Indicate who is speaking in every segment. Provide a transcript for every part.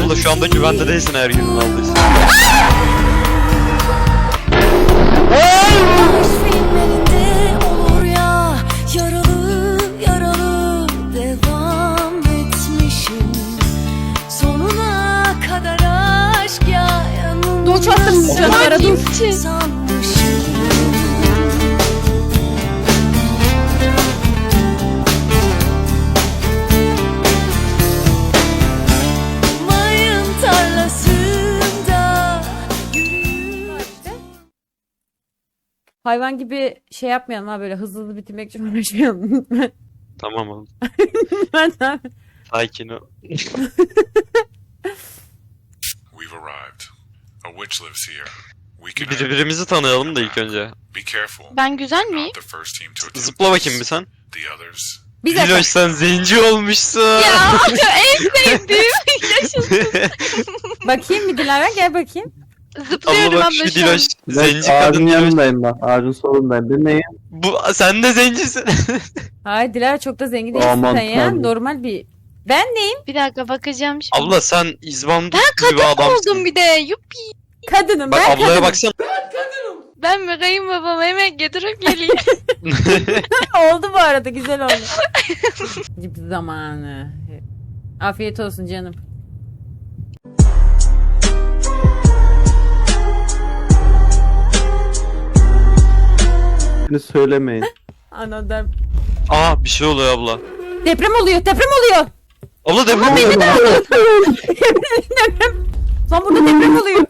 Speaker 1: Abla şu anda güvende değilsin eğer yüzünü aldıysan.
Speaker 2: Filmlerinde olur ya, yaralı yaralı devam etmişim. Sonuna kadar aşk ya, yanımda
Speaker 3: Doğuş attım canavar'a dur.
Speaker 2: sanmışım. Mayın tarlasında yürüyor.
Speaker 3: Hayvan gibi şey yapmayalım ha, böyle hızlı hızlı bitirmek için uğraşmayalım.
Speaker 1: Tamam oğlum.
Speaker 3: Ben de-
Speaker 1: Sakin ol.
Speaker 4: We've arrived. A witch lives here. We can
Speaker 1: Birbirimizi tanıyalım da ilk önce.
Speaker 4: be careful.
Speaker 5: Ben güzel miyim?
Speaker 4: Not the first team to attempt
Speaker 1: Zıpla bakayım bir sen.
Speaker 4: the others.
Speaker 3: Bir dakika.
Speaker 1: Diloş sen zenci olmuşsun.
Speaker 5: Ya en sevdiğim yaşasın.
Speaker 3: Bakayım bir Dilara, gel bakayım.
Speaker 5: Zıplıyorum
Speaker 1: Abla bak
Speaker 5: abla
Speaker 1: şu
Speaker 5: şu an.
Speaker 1: Diloş.
Speaker 6: Ben
Speaker 1: Zenci
Speaker 6: ağacın
Speaker 1: kadın Diloş.
Speaker 6: yanındayım bak. Ağacın solundayım. Ben neyim?
Speaker 1: Bu, sen de zencisin.
Speaker 3: Hayır Dilara, çok da zengin değilsin
Speaker 6: Aman
Speaker 3: sen ya.
Speaker 6: tanrım.
Speaker 3: Normal bir... Ben neyim?
Speaker 5: Bir dakika bakacağım şimdi.
Speaker 1: Abla sen izbandut
Speaker 5: Ben
Speaker 1: gibi
Speaker 5: kadın
Speaker 1: adamsın.
Speaker 5: oldum bir de. Yuppi.
Speaker 3: Kadınım
Speaker 1: Bak
Speaker 3: ben,
Speaker 1: ablaya
Speaker 3: kadınım.
Speaker 1: baksana.
Speaker 5: Ben mi kayınbabam hemen getirip geleyim.
Speaker 3: Oldu bu arada, güzel oldu. Cip zamanı. Afiyet olsun canım.
Speaker 6: Beni söylemeyin.
Speaker 3: Anladım.
Speaker 1: Aa bir şey oluyor abla.
Speaker 3: Deprem oluyor, deprem oluyor.
Speaker 1: Abla deprem oluyor.
Speaker 3: Lan burada deprem oluyor.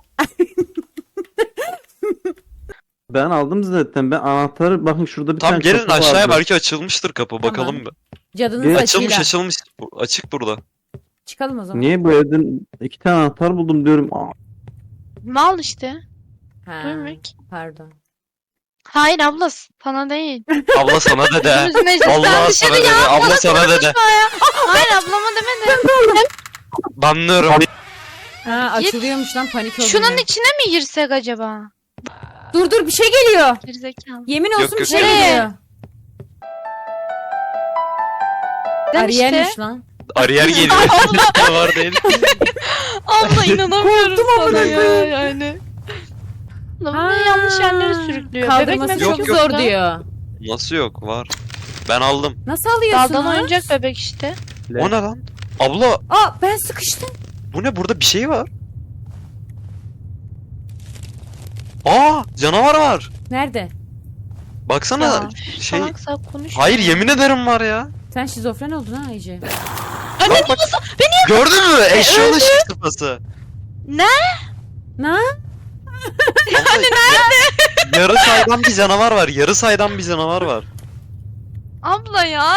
Speaker 6: Ben aldım zaten. Ben anahtarı bakın şurada bir
Speaker 1: Tam
Speaker 6: tane
Speaker 1: gelin
Speaker 6: kapı
Speaker 1: aşağıya,
Speaker 6: vardı.
Speaker 1: belki açılmıştır kapı, bakalım bir.
Speaker 3: Cadının
Speaker 6: Gel.
Speaker 1: Açılmış
Speaker 3: saçıyla.
Speaker 1: açılmış. Açık burada.
Speaker 3: Çıkalım o zaman.
Speaker 6: Niye bu evden 2 tane anahtar buldum diyorum. Aa,
Speaker 5: Mal işte.
Speaker 3: Ha,
Speaker 5: Duymak.
Speaker 3: pardon.
Speaker 5: Hayır abla sana değil.
Speaker 1: Abla sana dede.
Speaker 5: Gözümüz meclisten
Speaker 1: Allah
Speaker 5: dışarı
Speaker 1: sana dede.
Speaker 5: ya.
Speaker 1: Abla sana dede.
Speaker 5: Hayır ablama demedim.
Speaker 1: Banlıyorum.
Speaker 3: Ha,
Speaker 5: Git.
Speaker 3: açılıyormuş lan, panik oldum.
Speaker 5: Şunun
Speaker 3: ya.
Speaker 5: içine mi girsek acaba?
Speaker 3: Dur dur, bir şey geliyor.
Speaker 5: Gerizekalı.
Speaker 3: Yemin olsun
Speaker 1: Yok,
Speaker 3: bir
Speaker 1: yok,
Speaker 3: şey
Speaker 5: yok.
Speaker 3: geliyor.
Speaker 5: Ben işte.
Speaker 3: Ariel'miş lan.
Speaker 1: Ariyer geliyor. Var değil.
Speaker 5: Abla inanamıyorum sana
Speaker 3: amına
Speaker 5: ya
Speaker 3: koyayım.
Speaker 5: yani. Abla
Speaker 3: Ha,
Speaker 5: bunu yanlış yerlere sürüklüyor.
Speaker 3: Kaldırması
Speaker 5: Bebek
Speaker 1: Yok,
Speaker 3: çok
Speaker 1: yok.
Speaker 3: zor diyor.
Speaker 1: Nasıl yok, var. Ben aldım.
Speaker 3: Nasıl alıyorsun
Speaker 5: Daldan
Speaker 3: lan?
Speaker 5: oyuncak bebek işte.
Speaker 1: O ne lan? Abla
Speaker 3: Aa, ben sıkıştım.
Speaker 1: bu ne, burada bir şey var. Aa canavar var.
Speaker 3: Nerede?
Speaker 1: Baksana
Speaker 5: Ya,
Speaker 1: şey.
Speaker 5: Salak salak konuş.
Speaker 1: Hayır yemin ederim var ya.
Speaker 3: Sen şizofren oldun ha iyice.
Speaker 1: Bak, bak. Gördün mü? Eşyalı ışık sıfası.
Speaker 3: Ne?
Speaker 1: Yani nerede? Yarı saydan bir canavar var. Yarı saydan bir canavar var.
Speaker 5: Abla ya.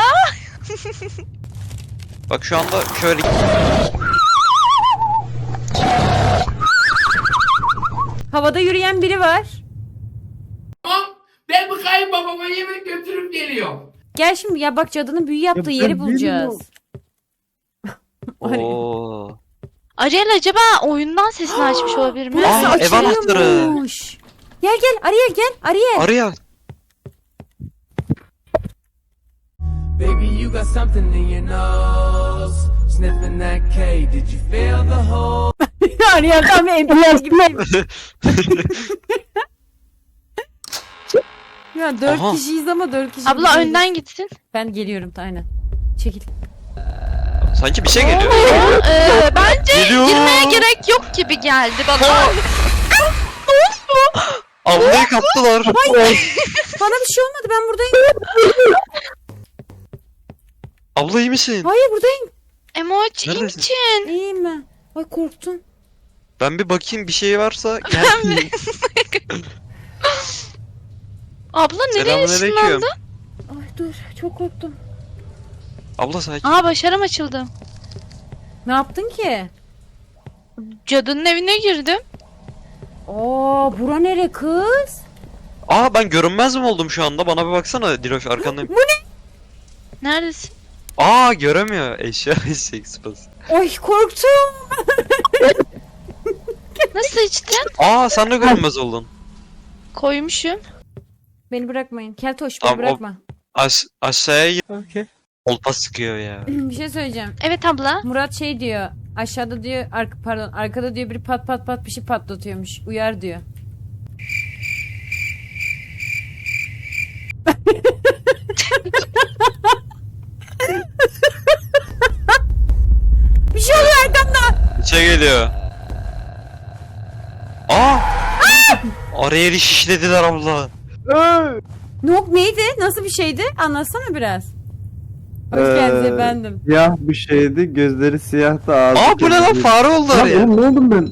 Speaker 1: Bak şu anda şöyle.
Speaker 3: Havada yürüyen biri var.
Speaker 7: Ben bu kayınbabama yemek götürüp geliyorum.
Speaker 3: Gel şimdi ya, bak cadının büyü yaptığı
Speaker 6: Ya
Speaker 3: yeri
Speaker 6: ben
Speaker 3: bulacağız.
Speaker 1: Oo.
Speaker 5: Ariel acaba oyundan sesini açmış olabilir mi?
Speaker 3: Burası
Speaker 1: Aa, ev anahtarı.
Speaker 3: açılıyormuş. Gel gel Ariel, gel Ariel.
Speaker 1: Arya.
Speaker 7: Baby, you got something in your nose. Sniffing that K, did you feel the hole?
Speaker 3: Ariel tam evliler gibi. Ya 4
Speaker 1: Aha.
Speaker 3: kişiyiz ama 4 kişi.
Speaker 5: Abla
Speaker 3: değiliz.
Speaker 5: önden gitsin.
Speaker 3: Ben geliyorum, aynen. Çekil.
Speaker 1: Sanki bir şey geliyor.
Speaker 5: Bence
Speaker 1: Geliyor.
Speaker 5: girmeye gerek yok gibi geldi bana.
Speaker 1: Ablayı kaptılar.
Speaker 3: Bana bir şey olmadı, ben buradayım.
Speaker 1: Abla iyi misin?
Speaker 3: Hayır, buradayım.
Speaker 5: Emoji
Speaker 1: Neredesin?
Speaker 5: için.
Speaker 3: İyiyim ben. Ay korktum.
Speaker 1: Ben bir bakayım bir şey varsa. Gel.
Speaker 5: Abla nereye
Speaker 1: Selamünaleyküm.
Speaker 5: ışınlandı?
Speaker 3: Ay dur, çok korktum.
Speaker 1: Abla sakin.
Speaker 5: Aa başarım açıldı.
Speaker 3: Ne yaptın ki?
Speaker 5: Cadının evine girdim.
Speaker 3: Aa, bura nere kız?
Speaker 1: Aa ben görünmez mi oldum şu anda? Bana bir baksana Diloş, arkandayım.
Speaker 5: Neredesin?
Speaker 1: Aa göremiyor. Eşya eşek sıpası.
Speaker 3: Ay korktum.
Speaker 5: Nasıl içtin?
Speaker 1: Aa sen de görünmez oldun.
Speaker 5: Koymuşum.
Speaker 3: Beni bırakmayın. Keltoş, beni
Speaker 1: Tamam, o-
Speaker 3: bırakma.
Speaker 1: Aşağıya
Speaker 6: Okey.
Speaker 1: Kolpa sıkıyor ya.
Speaker 3: Bir şey söyleyeceğim.
Speaker 5: Evet abla.
Speaker 3: Murat şey diyor. Aşağıda diyor, pardon, arkada diyor biri pat pat pat bir şey patlatıyormuş. Uyar diyor. Bir şey oluyor arkamda.
Speaker 1: İçe geliyor. Aa! Araya şişlediler abla.
Speaker 3: Neydi? Nasıl bir şeydi? Anlatsana biraz. Hoş geldiniz efendim.
Speaker 6: Siyah bir şeydi. Gözleri siyahtı. Ağzı
Speaker 1: Aa bu ne lan,
Speaker 6: kırmızıydı.
Speaker 1: fare oldu
Speaker 6: Lan
Speaker 1: araya.
Speaker 6: oğlum ne oldum ben?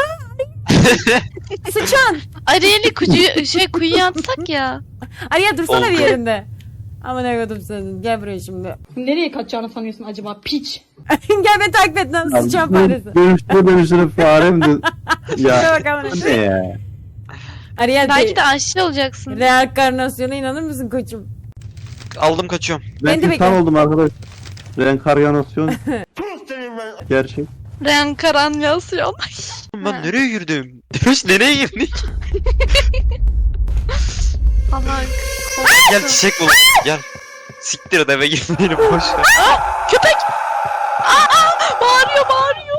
Speaker 3: Sıçan.
Speaker 5: Ariel'i kuyuya atsak ya.
Speaker 3: Araya dursana
Speaker 1: Oldu.
Speaker 3: bir yerinde. Aman ne kadar senin. Gel buraya şimdi.
Speaker 8: Nereye kaçacağını sanıyorsun acaba piç?
Speaker 3: Gel beni takip et lan sıçan faresi.
Speaker 6: Dönüştüre farem de.
Speaker 3: Şuna
Speaker 6: Ya
Speaker 3: bak amına.
Speaker 6: bu ne ya?
Speaker 3: Ariel
Speaker 5: Belki de aşçı olacaksın.
Speaker 3: reenkarnasyona inanır mısın koçum?
Speaker 1: Aldım kaçıyorum.
Speaker 3: Ben de
Speaker 6: Ben insan
Speaker 3: bekle.
Speaker 6: oldum arkadaş. Reenkarnasyon. Gerçek.
Speaker 5: Reenkarnasyon.
Speaker 1: Ben nereye girdim? Demiş nereye girdik?
Speaker 5: Allah.
Speaker 1: Gel çiçek bulalım gel. Siktir et, eve girmeyelim boş ver.
Speaker 5: Köpek. Bağırıyor bağırıyor.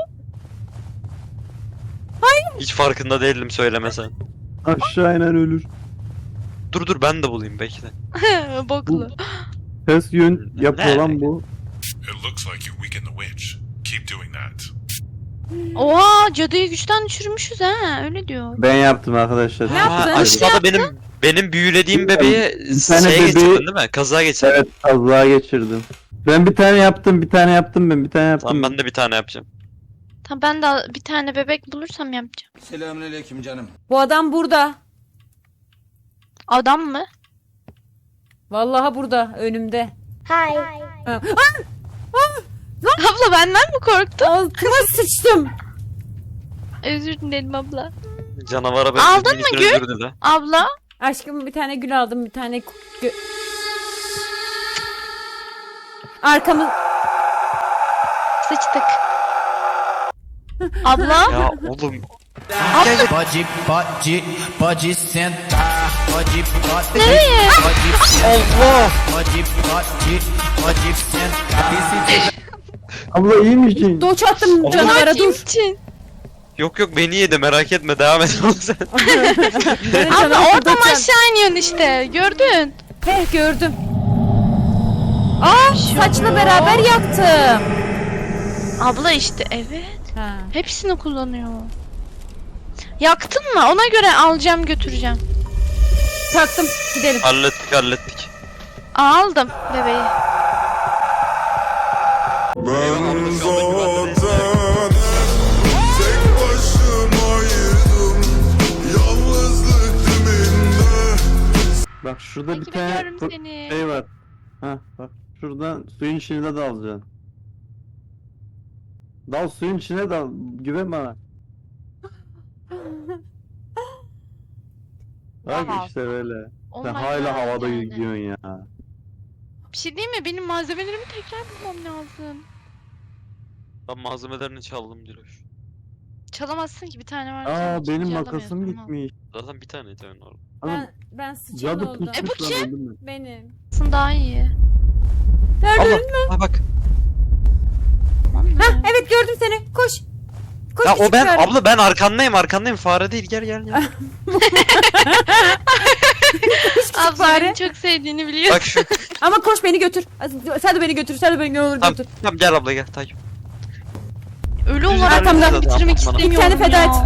Speaker 1: Hiç farkında değildim, söylemesen.
Speaker 6: Aşağı inen ölür.
Speaker 1: Dur ben de bulayım bekle.
Speaker 5: Boklu.
Speaker 6: Ters yön yapıyor lan bu.
Speaker 4: It looks like you weakened the witch. Keep doing that.
Speaker 5: Oha cadıyı güçten düşürmüşüz ha öyle diyor.
Speaker 6: Ben yaptım arkadaşlar.
Speaker 3: Ne yaptın?
Speaker 1: Aşağıda benim büyülediğim bebeği
Speaker 6: Bir tane
Speaker 1: şeye
Speaker 6: bebeği-
Speaker 1: geçirdin değil mi? Kaza geçirdin.
Speaker 6: Evet kazığa geçirdim. Ben bir tane yaptım, bir tane yaptım ben, bir tane yaptım.
Speaker 1: Tamam ben de bir tane yapacağım.
Speaker 5: Tamam ben de bir tane bebek bulursam yapacağım.
Speaker 7: Selamünaleyküm canım.
Speaker 3: Bu adam burada.
Speaker 5: Adam mı?
Speaker 3: Vallahi burada önümde.
Speaker 5: Abla benden mi korktun?
Speaker 3: Altıma sıçtım.
Speaker 5: Özür dilerim abla.
Speaker 1: Canavara ben
Speaker 5: Aldın mı
Speaker 1: minik
Speaker 5: gül?
Speaker 1: özür dile.
Speaker 5: Abla.
Speaker 3: Aşkım bir tane gül aldım, bir tane arkamı
Speaker 5: Sıçtık. Abla.
Speaker 1: Ya oğlum.
Speaker 7: Pode sentar, pode
Speaker 5: Nereye?
Speaker 1: Allah.
Speaker 7: pode sentar.
Speaker 6: Abla iyi misin?
Speaker 3: doç attım canavara
Speaker 5: Kim
Speaker 3: dur.
Speaker 5: için?
Speaker 1: Yok beni yedi, merak etme, devam et oğlum sen.
Speaker 3: Benim
Speaker 5: Abla
Speaker 3: canavar
Speaker 5: oradan
Speaker 3: doç at-
Speaker 5: aşağı iniyorsun işte. Gördün.
Speaker 3: He gördüm. Aa saçla beraber yaktım.
Speaker 5: Abla işte evet.
Speaker 3: Ha.
Speaker 5: Hepsini kullanıyor. Yaktın mı? Ona göre alacağım götüreceğim.
Speaker 3: Taktım gidelim.
Speaker 1: hallettik.
Speaker 5: Aldım bebeği.
Speaker 9: Ben zaten tek başımaydım, yalnızlık diminde.
Speaker 6: Bak şurada bir
Speaker 5: Takip
Speaker 6: tane
Speaker 5: ediyorum seni.
Speaker 6: şey var. Ha bak şuradan suyun içine dalacaksın. Dal suyun içine dal. Güven bana. Bak
Speaker 5: Wow.
Speaker 6: işte böyle.
Speaker 5: Oh
Speaker 6: Sen
Speaker 5: my
Speaker 6: hala
Speaker 5: God
Speaker 6: havada
Speaker 5: yani.
Speaker 6: gidiyorsun ya.
Speaker 5: Bir şey değil mi? Benim malzemelerimi tekrar bulmam lazım.
Speaker 1: Ben malzemelerini çaldım Diloş.
Speaker 5: Çalamazsın ki bir tane var.
Speaker 6: Aa
Speaker 5: çalınca
Speaker 6: benim
Speaker 5: alamıyorsun,
Speaker 6: makasım
Speaker 5: tamam.
Speaker 6: gitmiş.
Speaker 1: Zaten bir tane tane orada.
Speaker 3: Ben sıçan
Speaker 6: Cadı
Speaker 3: oldum.
Speaker 6: pusmuş
Speaker 5: bu
Speaker 6: lan,
Speaker 5: kim?
Speaker 6: öldün mü?
Speaker 3: Benim.
Speaker 5: Aslında daha iyi.
Speaker 1: Allah. Ha bak.
Speaker 3: Hah evet gördüm seni. Koş. Koş
Speaker 1: Ya o
Speaker 3: küçük
Speaker 1: ben
Speaker 3: fare.
Speaker 1: abla, ben arkandayım, fare değil, gel.
Speaker 5: Abla
Speaker 3: fare.
Speaker 5: beni çok sevdiğini biliyorum.
Speaker 1: Bak şu.
Speaker 3: Ama koş beni götür. Sen de beni götür. Sen de beni ne olur
Speaker 1: Tamam,
Speaker 3: götür.
Speaker 1: tamam gel abla, gel takip.
Speaker 5: Ölü olarak
Speaker 3: arkamda.
Speaker 5: bunu bitirmek
Speaker 1: Bana.
Speaker 5: istemiyorum
Speaker 3: Bir tane feda
Speaker 5: ya.
Speaker 3: et.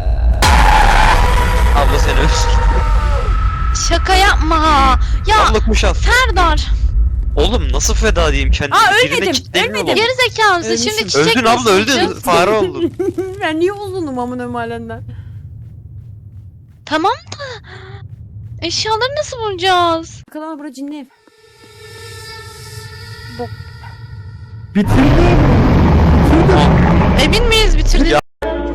Speaker 1: Abla seni
Speaker 5: Şaka yapma. Ya
Speaker 1: abla kuş al.
Speaker 5: Serdar.
Speaker 1: Oğlum nasıl feda diyeyim kendimi?
Speaker 3: Aa,
Speaker 1: Birine
Speaker 3: ölmedim,
Speaker 1: kitlemiyor
Speaker 3: ölmedim.
Speaker 1: baba.
Speaker 5: Geri zekalısın.
Speaker 3: Ölmüşüm.
Speaker 5: Şimdi çiçek
Speaker 1: Öldün abla,
Speaker 5: nasıl
Speaker 1: öldün.
Speaker 5: bulacağız?
Speaker 1: Fare oldun.
Speaker 3: Ben niye uzunum amına mahallenden?
Speaker 5: Tamam da. Eşyaları nasıl bulacağız?
Speaker 3: Bakalım ama bura cinli ev.
Speaker 6: Bitirdim.
Speaker 5: Emin miyiz bitirdik?
Speaker 1: Ya.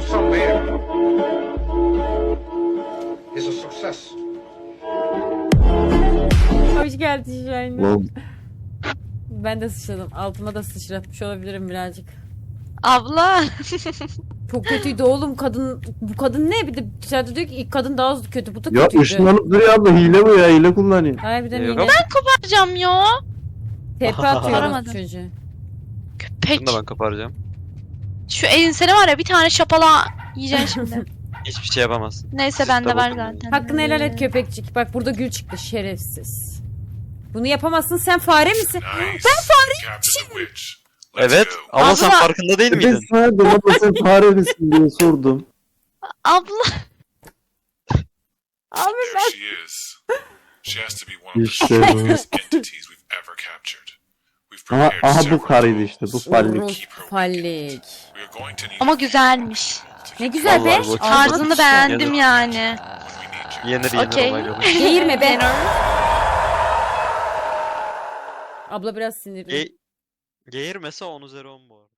Speaker 3: Hoş geldin Şahin.
Speaker 6: Oğlum,
Speaker 3: Ben de sıçradım. Altıma da sıçratmış olabilirim birazcık.
Speaker 5: Abla.
Speaker 3: Çok kötüydü oğlum kadın. Bu kadın ne? Bir de dışarıda diyor ki ilk kadın daha kötü. Bu da
Speaker 6: ya
Speaker 3: kötüydü.
Speaker 6: ışınlanıp duruyor abla, hile bu ya, hile kullanıyor.
Speaker 3: Harbiden
Speaker 1: Yok
Speaker 3: yine.
Speaker 1: ama-
Speaker 5: Yapacağım ya.
Speaker 3: Tepe atıyor
Speaker 5: Aramadım.
Speaker 3: çocuğu.
Speaker 5: Köpek.
Speaker 1: Bunu da ben koparacağım.
Speaker 5: Şu ensene var ya bir tane şapala yiyeceksin şimdi.
Speaker 1: Hiçbir şey yapamazsın.
Speaker 5: Neyse
Speaker 1: Siz
Speaker 5: bende
Speaker 1: de
Speaker 5: var
Speaker 1: bakın.
Speaker 5: zaten.
Speaker 3: Hakkını helal et köpekçik. Bak burada gül çıktı şerefsiz. Bunu yapamazsın, sen fare misin?
Speaker 4: Nice. Ben fareyim.
Speaker 1: Evet ama sen
Speaker 5: Abla.
Speaker 1: farkında değil
Speaker 6: Ben
Speaker 1: miydin?
Speaker 6: sana dedim ama sen fare misin diye sordum.
Speaker 5: Abla.
Speaker 3: Abi
Speaker 4: There she is. She has to be one of the
Speaker 6: İşte bu.
Speaker 4: strongest entities we've ever captured. We've
Speaker 6: Aha,
Speaker 4: prepared
Speaker 6: aha
Speaker 4: several
Speaker 6: bu karıydı işte bu
Speaker 4: tools.
Speaker 6: fallik.
Speaker 3: Rus fallik.
Speaker 4: We are going to need
Speaker 5: Ama güzelmiş.
Speaker 3: Ne güzel be.
Speaker 1: Vallahi bu-
Speaker 5: Tarzını beğendim
Speaker 1: Yenir.
Speaker 5: yani.
Speaker 1: Yenir
Speaker 5: Okey.
Speaker 1: olay yok.
Speaker 3: Geğirme be. Abla biraz sinirli.
Speaker 1: Geğirmese 10 üzeri 10 bu arada.